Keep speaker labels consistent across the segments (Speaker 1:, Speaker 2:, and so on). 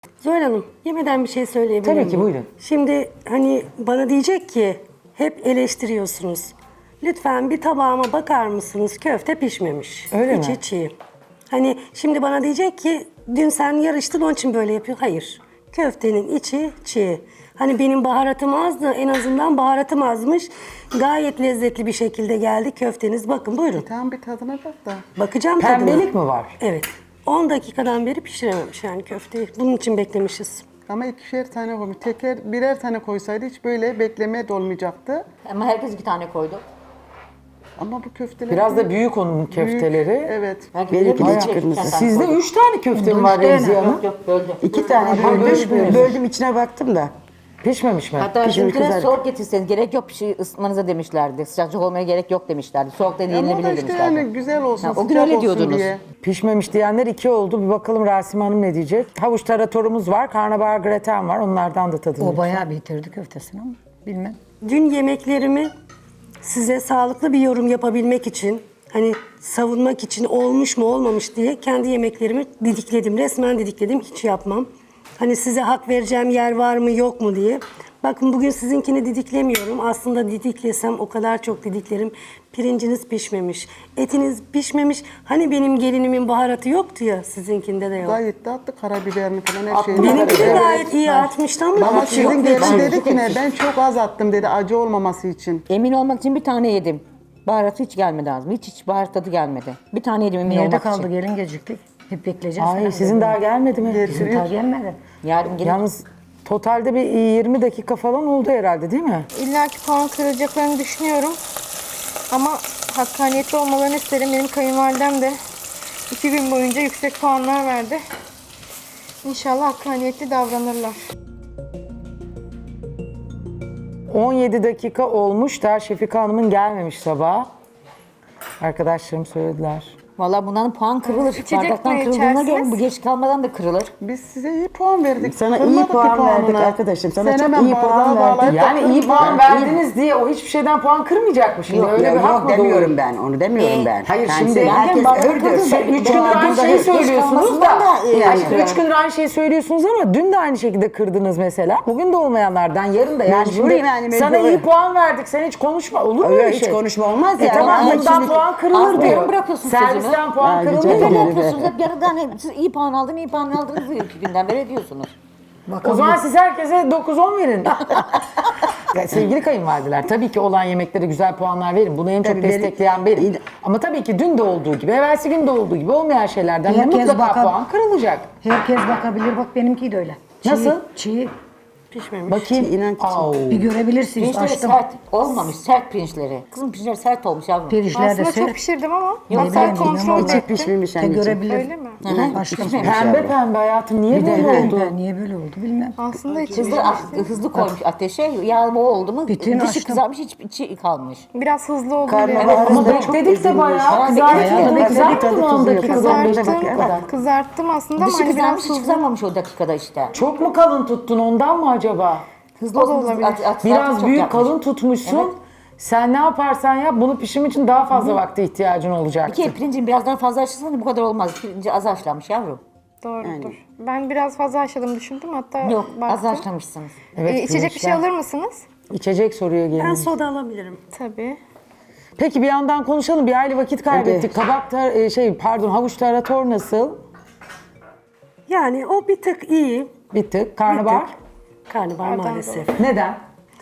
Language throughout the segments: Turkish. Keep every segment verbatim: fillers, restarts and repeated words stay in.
Speaker 1: Zuhal Hanım, yemeden bir şey söyleyebilir
Speaker 2: Tabii
Speaker 1: miyim?
Speaker 2: ki, buyurun.
Speaker 1: Şimdi hani bana diyecek ki hep eleştiriyorsunuz. Lütfen bir tabağıma bakar mısınız? Köfte pişmemiş.
Speaker 2: Öyle
Speaker 1: İçi
Speaker 2: mi?
Speaker 1: çiğ. Hani şimdi bana diyecek ki dün sen yarıştın onun için böyle yapıyor. Hayır. Köftenin içi çiğ. Hani benim baharatım azdı. En azından baharatım azmış. Gayet lezzetli bir şekilde geldi köfteniz. Bakın buyurun.
Speaker 3: Tamam bir tadına bak da.
Speaker 1: Bakacağım tadına.
Speaker 2: Pembelik mi var?
Speaker 1: Evet. on dakikadan beri pişirememiş yani köfteyi. Bunun için beklemişiz.
Speaker 3: Ama ikişer tane koymuş. Teker birer tane koysaydı hiç böyle beklemeye de olmayacaktı.
Speaker 4: Ama herkes iki tane koydu.
Speaker 3: Ama bu köfteler...
Speaker 2: Biraz da büyük onun köfteleri.
Speaker 3: Evet.
Speaker 4: Herkes
Speaker 5: Benimki de
Speaker 4: birer-
Speaker 5: hiç
Speaker 4: birer-
Speaker 5: kırmızı.
Speaker 4: iki tane
Speaker 2: Sizde
Speaker 4: koydu.
Speaker 2: üç tane köfte mi var Remziye Hanım?
Speaker 4: Yok yok böldü.
Speaker 5: İki tane
Speaker 2: Ha,
Speaker 5: böldüm,
Speaker 2: bölüşmüyoruz.
Speaker 5: böldüm içine baktım da.
Speaker 2: Pişmemiş mi?
Speaker 4: Hatta
Speaker 5: Pişmiş
Speaker 4: bizimkine
Speaker 5: kızarık.
Speaker 4: soğuk getirseniz gerek yok bir şey ısıtmanıza demişlerdi. Sıcakçık olmaya gerek yok demişlerdi. Soğuk da
Speaker 3: Ama o da
Speaker 4: yenilebilir
Speaker 3: işte
Speaker 4: demişlerdi.
Speaker 3: yani güzel olsun,
Speaker 4: Ha, o gün
Speaker 3: sıcak
Speaker 4: öyle
Speaker 3: olsun
Speaker 4: diyordunuz.
Speaker 3: diye.
Speaker 2: Pişmemiş diyenler iki oldu. Bir bakalım Rasim Hanım ne diyecek? Havuç taratorumuz var, karnabahar graten var. Onlardan da tadını.
Speaker 6: O bayağı bitirdi köftesini ama bilmem.
Speaker 1: Dün yemeklerimi size sağlıklı bir yorum yapabilmek için, hani savunmak için olmuş mu olmamış diye kendi yemeklerimi didikledim. Resmen didikledim, hiç yapmam. Hani size hak vereceğim yer var mı yok mu diye. Bakın bugün sizinkini didiklemiyorum. Aslında didiklesem o kadar çok didiklerim. Pirinciniz pişmemiş, etiniz pişmemiş. Hani benim gelinimin baharatı yoktu ya, sizinkinde de yok.
Speaker 3: Gayet de attı karabiberini falan her
Speaker 2: Attı.
Speaker 3: şeyini.
Speaker 1: Benimki de
Speaker 3: Evet.
Speaker 1: gayet iyi atmıştı ama
Speaker 3: Ama
Speaker 1: acı yok.
Speaker 3: sizin
Speaker 1: dedi.
Speaker 3: gelin dedi ki ne, ben çok az attım dedi acı olmaması için.
Speaker 4: Emin olmak için bir tane yedim. Baharatı hiç gelmedi ağzıma. Hiç hiç baharat tadı gelmedi. Bir tane yedim emin
Speaker 6: Nerede
Speaker 4: olmak
Speaker 6: kaldı
Speaker 4: için.
Speaker 6: gelin geciktik. Hep bekleyeceğiz.
Speaker 2: Ay
Speaker 6: falan
Speaker 2: sizin
Speaker 6: dedi.
Speaker 2: daha gelmedi mi?
Speaker 6: Bizim daha gelmedi.
Speaker 4: Yarın gelin.
Speaker 2: Yalnız totalde bir yirmi dakika falan oldu herhalde değil mi?
Speaker 7: İlla ki puan kıracaklarını düşünüyorum. Ama hakkaniyetli olmalarını isterim. Benim kayınvalidem de iki gün boyunca yüksek puanlar verdi. İnşallah hakkaniyetli davranırlar.
Speaker 2: on yedi dakika olmuş da Şefika Hanım'ın gelmemiş sabah. Arkadaşlarım söylediler.
Speaker 4: Valla bundan puan kırılır.
Speaker 7: İçecek
Speaker 4: Bardaktan
Speaker 7: mi
Speaker 4: kırıldığına göre
Speaker 7: içersiniz?
Speaker 4: bu geç kalmadan da kırılır.
Speaker 3: Biz size iyi puan verdik.
Speaker 5: Sana iyi
Speaker 3: Kırmadık ki
Speaker 5: puan verdik
Speaker 3: puanını.
Speaker 5: arkadaşım. Sana
Speaker 3: Sen
Speaker 5: çok
Speaker 3: hemen
Speaker 5: iyi puan
Speaker 3: bardağı
Speaker 5: verdik.
Speaker 3: bağlayıp da
Speaker 2: Yani iyi
Speaker 3: kırma.
Speaker 2: puan verdiniz diye o hiçbir şeyden puan kırmayacak mı şimdi?
Speaker 5: Yok,
Speaker 2: Öyle
Speaker 5: ya,
Speaker 2: bir hak
Speaker 5: yok
Speaker 2: mı
Speaker 5: demiyorum
Speaker 2: doğuyor?
Speaker 5: ben, onu demiyorum
Speaker 4: Ee,
Speaker 5: ben.
Speaker 2: Hayır
Speaker 5: Ben
Speaker 2: şimdi
Speaker 5: seni- herkes
Speaker 4: bana
Speaker 5: öldür.
Speaker 4: kızın da-
Speaker 2: Üç
Speaker 4: Ben
Speaker 2: gündür aynı
Speaker 4: burada
Speaker 2: şeyi
Speaker 4: geç
Speaker 2: söylüyorsunuz da.
Speaker 4: kalmasından da, e,
Speaker 2: Yani
Speaker 4: kırarım.
Speaker 2: üç gündür aynı şeyi söylüyorsunuz ama dün de aynı şekilde kırdınız mesela. Bugün de olmayanlardan yarın da yani
Speaker 5: Mecburiyim
Speaker 2: şimdi
Speaker 5: yani,
Speaker 2: sana
Speaker 5: mecburi.
Speaker 2: iyi puan verdik sen hiç konuşma olur mu
Speaker 5: Öyle
Speaker 2: öyle
Speaker 5: hiç
Speaker 2: şey?
Speaker 5: konuşma olmaz
Speaker 2: E
Speaker 5: ya.
Speaker 2: tamam
Speaker 5: Ama
Speaker 2: bundan
Speaker 5: şimdi-
Speaker 2: puan kırılır
Speaker 4: Aslında
Speaker 2: diyor.
Speaker 4: bırakıyorsun
Speaker 2: Servisten
Speaker 4: sözümü.
Speaker 2: puan
Speaker 5: Ha,
Speaker 2: kırılır
Speaker 5: güzel.
Speaker 2: diyor.
Speaker 4: Böyle
Speaker 5: Evet.
Speaker 4: yapıyorsunuz. Hep yarıdan hani siz iyi puan aldın, iyi puan aldınız diyor. İki günden beri ediyorsunuz.
Speaker 2: O zaman siz herkese dokuz on verin. Ya sevgili kayınvalideler tabii ki olan yemeklere güzel puanlar verin. Bunu en çok
Speaker 5: Tabii, benim-
Speaker 2: destekleyen benim. Ama tabii ki dün de olduğu gibi, evvelsi gün de olduğu gibi olmayan şeylerden de
Speaker 6: Herkes
Speaker 2: mutlaka
Speaker 6: bakar.
Speaker 2: puan kırılacak.
Speaker 6: Herkes bakabilir. Bak benimki de öyle. Çiğ,
Speaker 2: Nasıl?
Speaker 6: Çiğ.
Speaker 1: Pişmemiş.
Speaker 2: Bakayım.
Speaker 5: İnan ki-
Speaker 2: Au.
Speaker 6: Bir görebilirsiniz.
Speaker 4: Pirinçleri
Speaker 6: Açtım.
Speaker 4: sert olmamış. Sert pirinçleri. Kızım pirinçleri sert olmuş yavrum.
Speaker 6: Pirinçler de
Speaker 7: Aslında çok
Speaker 6: sert.
Speaker 7: pişirdim ama
Speaker 6: Ne
Speaker 7: hatta
Speaker 6: bileyim,
Speaker 7: kontrol
Speaker 6: ama
Speaker 5: İçi
Speaker 7: ettim.
Speaker 5: pişmemiş
Speaker 6: De
Speaker 5: anneciğim.
Speaker 6: görebilir.
Speaker 7: Öyle mi?
Speaker 6: Açtım.
Speaker 2: Pembe pembe hayatım niye
Speaker 6: Bir de
Speaker 2: böyle oldu?
Speaker 6: pembe. Niye böyle oldu bilmem.
Speaker 7: Aslında içi
Speaker 4: Hızlı, ah, hızlı koymuş ateşe. Yağma oldu mu
Speaker 6: Bütün
Speaker 4: dışı
Speaker 6: açtım.
Speaker 4: kızarmış hiç içi kalmış.
Speaker 7: biraz hızlı oldu.
Speaker 5: Karnabahar
Speaker 7: diye.
Speaker 2: Ama
Speaker 5: da çok
Speaker 2: bekledik de
Speaker 5: ezilmiş.
Speaker 2: bayağı
Speaker 4: Ha,
Speaker 2: kızartmadın.
Speaker 4: bekledik.
Speaker 2: Kızartmadın
Speaker 5: Tadı
Speaker 2: on
Speaker 5: tuzu yok.
Speaker 2: dakikada on beş
Speaker 7: Kızarttım,
Speaker 2: dakikada.
Speaker 7: kızarttım aslında ama
Speaker 4: Dışı
Speaker 7: hani biraz
Speaker 4: kızarmış hiç
Speaker 7: hızlı.
Speaker 4: kızarmamış o dakikada işte.
Speaker 2: Çok mu kalın tuttun ondan mı acaba?
Speaker 4: Hızlı
Speaker 7: O da
Speaker 4: olsun, hızlı-
Speaker 7: olabilir.
Speaker 4: at- at-
Speaker 2: Biraz
Speaker 4: çok
Speaker 2: büyük
Speaker 4: yapmış.
Speaker 2: kalın tutmuşsun.
Speaker 4: Evet.
Speaker 2: Sen ne yaparsan yap bunu pişim için daha fazla vakte ihtiyacın olacaktı.
Speaker 4: Bir kere pirincin biraz daha fazla haşlasan bu kadar olmaz. Pirinci az haşlanmış yavrum.
Speaker 7: Doğrudur. Ben biraz fazla haşladım düşündüm hatta
Speaker 4: Yok az
Speaker 7: baktım.
Speaker 4: haşlamışsınız.
Speaker 2: Evet,
Speaker 7: Ee, içecek bir şey
Speaker 2: pirinçler-
Speaker 7: alır mısınız?
Speaker 2: İçecek soruyor
Speaker 1: Ben
Speaker 2: gelin.
Speaker 1: soda alabilirim.
Speaker 7: Tabii.
Speaker 2: Peki bir yandan konuşalım. Bir aile vakit kaybettik.
Speaker 5: Evet.
Speaker 2: Kabak tar- e, şey pardon havuç tarator nasıl?
Speaker 1: Yani o bir tık iyi.
Speaker 2: Bir tık. Karnabahar.
Speaker 1: Bir tık. Karnabahar maalesef.
Speaker 2: Neden?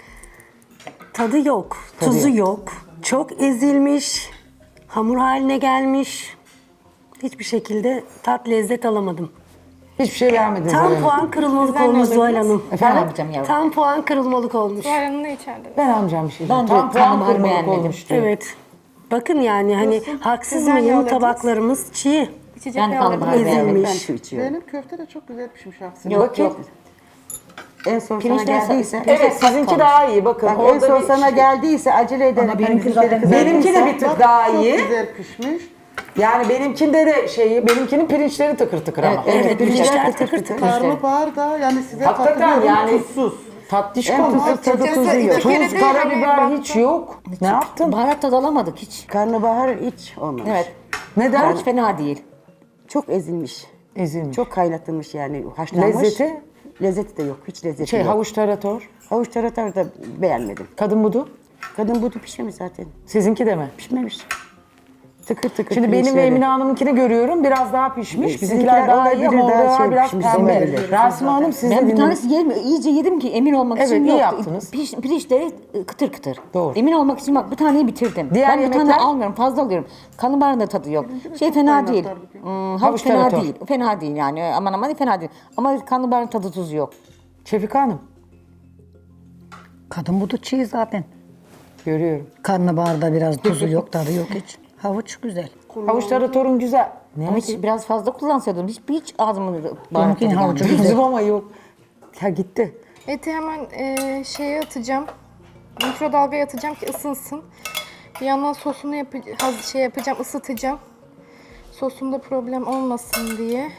Speaker 1: Tadı yok, tuzu yok. Çok ezilmiş, hamur haline gelmiş. Hiçbir şekilde tat lezzet alamadım.
Speaker 2: Hiçbir şey beğenmediniz.
Speaker 1: Tam
Speaker 2: öyle mi?
Speaker 1: puan kırılmalık
Speaker 7: Güzel
Speaker 1: olmuş
Speaker 7: mi
Speaker 1: Zuhal
Speaker 7: alırdınız?
Speaker 1: Hanım.
Speaker 4: Ben almayacağım yavrum.
Speaker 1: Tam puan kırılmalık olmuş.
Speaker 7: Zuhal Hanım ne içerdiniz?
Speaker 2: Ben almayacağım bir şey.
Speaker 4: Ben de
Speaker 2: Tam puan
Speaker 4: karnabahar
Speaker 2: kırmalık
Speaker 4: beğenmedim.
Speaker 2: olmuş diyor.
Speaker 1: Evet. Bakın yani hani haksız
Speaker 7: Sizden ne
Speaker 1: mıyım
Speaker 7: alırdınız?
Speaker 1: tabaklarımız çiğ,
Speaker 7: İçecek
Speaker 4: Ben
Speaker 7: ne
Speaker 4: karnabahar
Speaker 7: alırdınız?
Speaker 4: beğendim.
Speaker 5: Ben
Speaker 1: ezilmiş.
Speaker 5: su içiyorum.
Speaker 3: Benim köfte de çok güzel pişmiş aslında.
Speaker 4: Yok
Speaker 2: Bakayım.
Speaker 4: yok.
Speaker 5: En son sana
Speaker 4: Pirinçler
Speaker 5: geldiyse.
Speaker 2: Evet sizinki daha iyi bakın.
Speaker 5: Bak en
Speaker 2: orada
Speaker 5: son
Speaker 2: bir
Speaker 5: sana
Speaker 2: şey-
Speaker 5: geldiyse acele ederek.
Speaker 6: Ama benimki
Speaker 5: hani
Speaker 6: zaten-
Speaker 5: pirinçleri
Speaker 2: Benimki de bir
Speaker 5: kızartırsan-
Speaker 2: tık daha
Speaker 3: Çok
Speaker 2: iyi.
Speaker 3: güzel pişmiş.
Speaker 2: Yani benimkinde de şeyi, benimkinin pirinçleri tıkır tıkır ama.
Speaker 4: Evet,
Speaker 1: Evet, pirinçler tıkır tıkır.
Speaker 3: Karnabahar da yani size
Speaker 2: Hakikaten
Speaker 3: katılıyorum
Speaker 2: yani
Speaker 3: tuzsuz.
Speaker 2: tatlış
Speaker 5: En
Speaker 2: konusu.
Speaker 5: tuzsuz tadı
Speaker 7: Açıkçası
Speaker 5: tuzu yok.
Speaker 7: iki kere
Speaker 2: Tuz,
Speaker 7: değil,
Speaker 2: karabiber
Speaker 7: hani
Speaker 2: hiç yok. Ne yaptın?
Speaker 4: Baharat tadı alamadık hiç.
Speaker 5: Karnabahar hiç olmamış.
Speaker 4: Evet.
Speaker 2: Neden?
Speaker 4: Hiç fena değil.
Speaker 5: Çok ezilmiş.
Speaker 2: Ezilmiş.
Speaker 5: Çok kaynatılmış yani haşlanmış.
Speaker 2: Lezzeti?
Speaker 5: Lezzeti de yok. Hiç lezzeti
Speaker 2: Şey
Speaker 5: yok.
Speaker 2: havuç tarator.
Speaker 5: Havuç tarator da beğenmedim.
Speaker 2: Kadın budu.
Speaker 5: Kadın budu pişmemiş zaten.
Speaker 2: Sizinki de mi?
Speaker 5: Pişmemiş. Tıkır tıkır
Speaker 2: Şimdi benim ve
Speaker 5: pirinçleri.
Speaker 2: Emine Hanım'ınkini görüyorum. Biraz daha pişmiş.
Speaker 5: E,
Speaker 2: Bizimkiler
Speaker 5: sizinkiler
Speaker 2: daha iyi
Speaker 5: olabilir,
Speaker 2: ama
Speaker 5: daha
Speaker 2: orada
Speaker 5: şey
Speaker 2: biraz
Speaker 5: pişmiş
Speaker 2: pembe.
Speaker 5: olabilir.
Speaker 2: Rasmi Hanım siz de
Speaker 4: Ben bir
Speaker 2: dinleyin.
Speaker 4: tanesi yedim, iyice yedim ki emin olmak
Speaker 2: Evet,
Speaker 4: için
Speaker 2: iyi
Speaker 4: yok.
Speaker 2: yaptınız.
Speaker 4: Piş, pirinçleri kıtır kıtır.
Speaker 2: Doğru.
Speaker 4: Emin olmak için bak bir taneyi bitirdim.
Speaker 2: Diğer
Speaker 4: ben bir tane
Speaker 2: yemekler?
Speaker 4: almıyorum, fazla alıyorum. Karnabaharın da tadı yok. Şey fena değil. Hmm, havuç
Speaker 2: Havuç
Speaker 4: fena
Speaker 2: tarator.
Speaker 4: değil. Fena değil yani. Aman aman fena değil. Ama karnabaharın tadı tuzu yok.
Speaker 2: Şefika Hanım.
Speaker 6: Kadın budu çiğ zaten.
Speaker 2: Görüyorum.
Speaker 6: Karnabaharda biraz tuzu yok, tadı yok hiç. Havuç güzel.
Speaker 2: Havuç taratorun güzel. Ne
Speaker 4: Ama hiç biraz fazla kullansaydım. Hiç, hiç ağzımın baharat tadı
Speaker 6: Benimkinin havucu
Speaker 4: gelmedi.
Speaker 6: güzel.
Speaker 2: Bizim ama yok. Ya gitti.
Speaker 7: Eti hemen e, şeye atacağım. Mikrodalgaya atacağım ki ısınsın. Bir yandan sosunu yapacağım, şey yapacağım, ısıtacağım. Sosunda problem olmasın diye.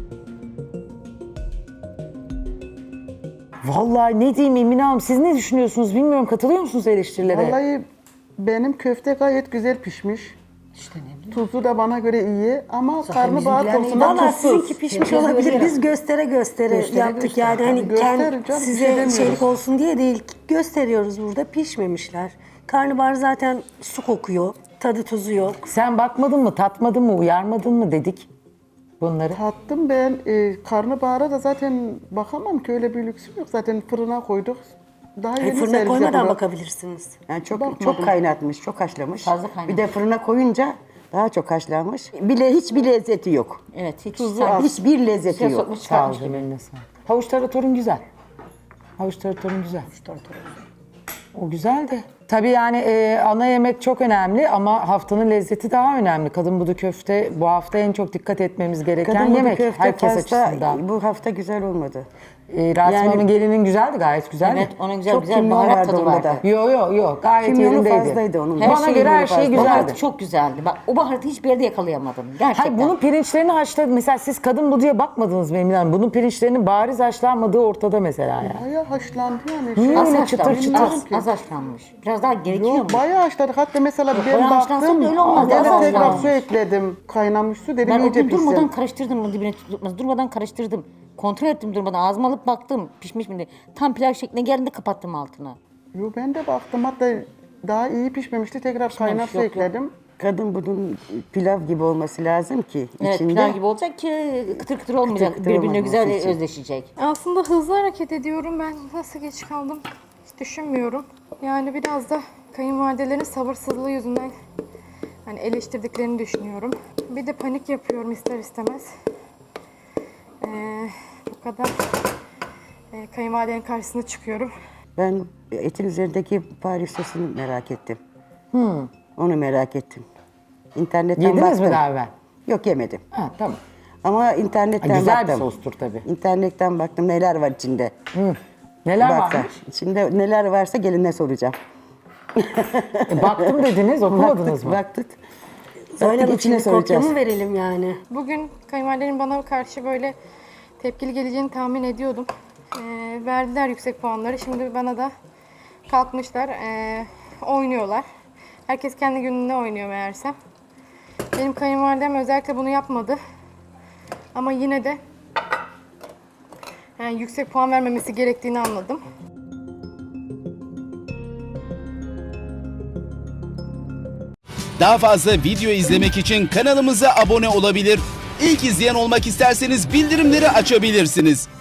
Speaker 2: Vallahi ne diyeyim Emine Hanım, siz ne düşünüyorsunuz bilmiyorum, katılıyor musunuz eleştirilere?
Speaker 3: Vallahi benim köfte gayet güzel pişmiş.
Speaker 6: İşte ne bileyim.
Speaker 3: Tuzu da bana göre iyi ama karnabahar
Speaker 6: bizimkiler
Speaker 3: konusunda
Speaker 1: Valla
Speaker 3: tuzsuz.
Speaker 1: sizinki pişmiş
Speaker 6: Herkes
Speaker 1: olabilir.
Speaker 6: göstere.
Speaker 1: Biz göstere göstere,
Speaker 3: Göstere
Speaker 1: yaptık
Speaker 3: göstere.
Speaker 1: yani. Hani
Speaker 3: Göster
Speaker 1: kendi
Speaker 3: canım, bir şey
Speaker 1: size
Speaker 3: demiyoruz.
Speaker 1: şeylik olsun diye değil. Gösteriyoruz burada. Pişmemişler. Karnabahar zaten su kokuyor. Tadı tuzu yok.
Speaker 2: Sen bakmadın mı, tatmadın mı, uyarmadın mı dedik bunları.
Speaker 3: Tattım ben. E, karnabahara da zaten bakamam ki, öyle bir lüksüm yok. Zaten fırına koyduk. Daha
Speaker 1: Hani
Speaker 3: yeni
Speaker 1: fırına
Speaker 3: servis
Speaker 1: koymadan
Speaker 3: yapıldı.
Speaker 1: bakabilirsiniz.
Speaker 5: Yani çok
Speaker 3: Bakmadım.
Speaker 5: çok kaynatmış, çok haşlamış.
Speaker 4: Fazla kaynatmış.
Speaker 5: Bir de fırına koyunca daha çok haşlanmış. Bile hiçbir lezzeti yok.
Speaker 4: Evet hiç.
Speaker 5: Tuzu
Speaker 4: sanki
Speaker 5: az. Hiçbir lezzeti
Speaker 4: suya
Speaker 5: yok.
Speaker 4: sokmuş
Speaker 2: Sağ ol
Speaker 4: çıkartmış
Speaker 2: canım,
Speaker 4: gibi.
Speaker 2: eline sağlık. Havuç taratorun güzel. Havuç taratorun güzel. O güzel de. Tabii yani e, ana yemek çok önemli ama haftanın lezzeti daha önemli. Kadın budu köfte bu hafta en çok dikkat etmemiz gereken
Speaker 5: Kadın budu
Speaker 2: yemek.
Speaker 5: köfte
Speaker 2: Herkes
Speaker 5: pasta
Speaker 2: açısından.
Speaker 5: bu hafta güzel olmadı.
Speaker 2: E, Rasim
Speaker 5: Yani-
Speaker 2: Hanım'ın gelinin güzeldi, gayet güzeldi.
Speaker 4: Evet onun güzel
Speaker 5: Çok
Speaker 4: güzel
Speaker 5: kimyon
Speaker 4: baharat
Speaker 5: vardı
Speaker 4: tadı
Speaker 5: onda
Speaker 4: vardı.
Speaker 5: da.
Speaker 2: Yo yo yo, gayet
Speaker 5: Kimyonu
Speaker 2: yerindeydi.
Speaker 5: fazlaydı onun.
Speaker 2: Bana
Speaker 5: Her
Speaker 2: göre her
Speaker 5: şeyi
Speaker 2: şey
Speaker 5: fazla.
Speaker 2: güzeldi.
Speaker 4: Baharatı çok güzeldi. Bak o baharatı hiçbir yerde yakalayamadım. Gerçekten.
Speaker 2: Hayır, bunun pirinçlerini haşladı. Mesela siz kadın buduya bakmadınız mı Emine Hanım? Bunun pirinçlerinin bariz haşlanmadığı ortada mesela yani.
Speaker 3: Bayağı haşlandı yani.
Speaker 2: Niye
Speaker 3: Şey-
Speaker 4: az
Speaker 2: öyle çıtır
Speaker 4: haşlanmış,
Speaker 2: çıtır?
Speaker 4: az, az haşlanmış. Biraz daha gerekiyor mu?
Speaker 3: Yok, bayağı haşladık. Hatta mesela ben
Speaker 4: bayağı haşlansa
Speaker 3: baktım,
Speaker 4: da öyle olmaz,
Speaker 3: gene
Speaker 4: az
Speaker 3: tekrar
Speaker 4: haşlanmış.
Speaker 3: su ekledim. Kaynamış su dedim,
Speaker 4: Ben o
Speaker 3: iyice
Speaker 4: gün durmadan
Speaker 3: pişsin.
Speaker 4: karıştırdım bunu dibine tutmaz. Durmadan karıştırdım. Kontrol ettim durmadan. Ağzıma alıp baktım. Pişmiş mi diye. Tam pilav şekline geldiğinde kapattım altına.
Speaker 3: Yo, ben de baktım, hatta daha iyi pişmemişti. Tekrar kaynar su
Speaker 4: yok, yok.
Speaker 3: ekledim.
Speaker 5: Kadın budun pilav gibi olması lazım ki
Speaker 4: Evet
Speaker 5: içinde.
Speaker 4: pilav gibi olacak ki kıtır kıtır olmayacak.
Speaker 5: kıtır
Speaker 4: Birbirine
Speaker 5: olmaması
Speaker 4: güzel
Speaker 5: için.
Speaker 4: özleşecek.
Speaker 7: Aslında hızlı hareket ediyorum. Ben nasıl geç kaldım hiç düşünmüyorum. Yani biraz da kayınvalidelerin sabırsızlığı yüzünden hani eleştirdiklerini düşünüyorum. Bir de panik yapıyorum ister istemez. Ee, bu kadar e, kayınvalidenin karşısına çıkıyorum.
Speaker 5: Ben etin üzerindeki Paris sosunu merak ettim. Onu merak ettim. İnternetten
Speaker 2: Yediniz
Speaker 5: baktım.
Speaker 2: mi daha evvel?
Speaker 5: Yok, yemedim.
Speaker 2: Ha, tamam.
Speaker 5: Ama internetten
Speaker 2: Ha, güzel bir
Speaker 5: baktım.
Speaker 2: sostur tabii.
Speaker 5: İnternetten baktım neler var içinde.
Speaker 2: Hı. Neler
Speaker 5: Baktım.
Speaker 2: varmış?
Speaker 5: İçinde neler varsa geline soracağım.
Speaker 2: E, baktım dediniz, okumadınız mı?
Speaker 5: Baktık.
Speaker 1: Öyle
Speaker 5: Baktık,
Speaker 1: mi?
Speaker 5: içine
Speaker 1: Şimdi kopya
Speaker 5: soracağız.
Speaker 1: mı verelim yani?
Speaker 7: Bugün kayınvalidelerin bana karşı böyle tepkili geleceğini tahmin ediyordum. Ee, verdiler yüksek puanları. Şimdi bana da kalkmışlar, ee, oynuyorlar. Herkes kendi gününde oynuyor meğersem. Benim kayınvalidem özellikle bunu yapmadı. Ama yine de yani yüksek puan vermemesi gerektiğini anladım.
Speaker 8: Daha fazla video izlemek için kanalımıza abone olabilir. İlk izleyen olmak isterseniz bildirimleri açabilirsiniz.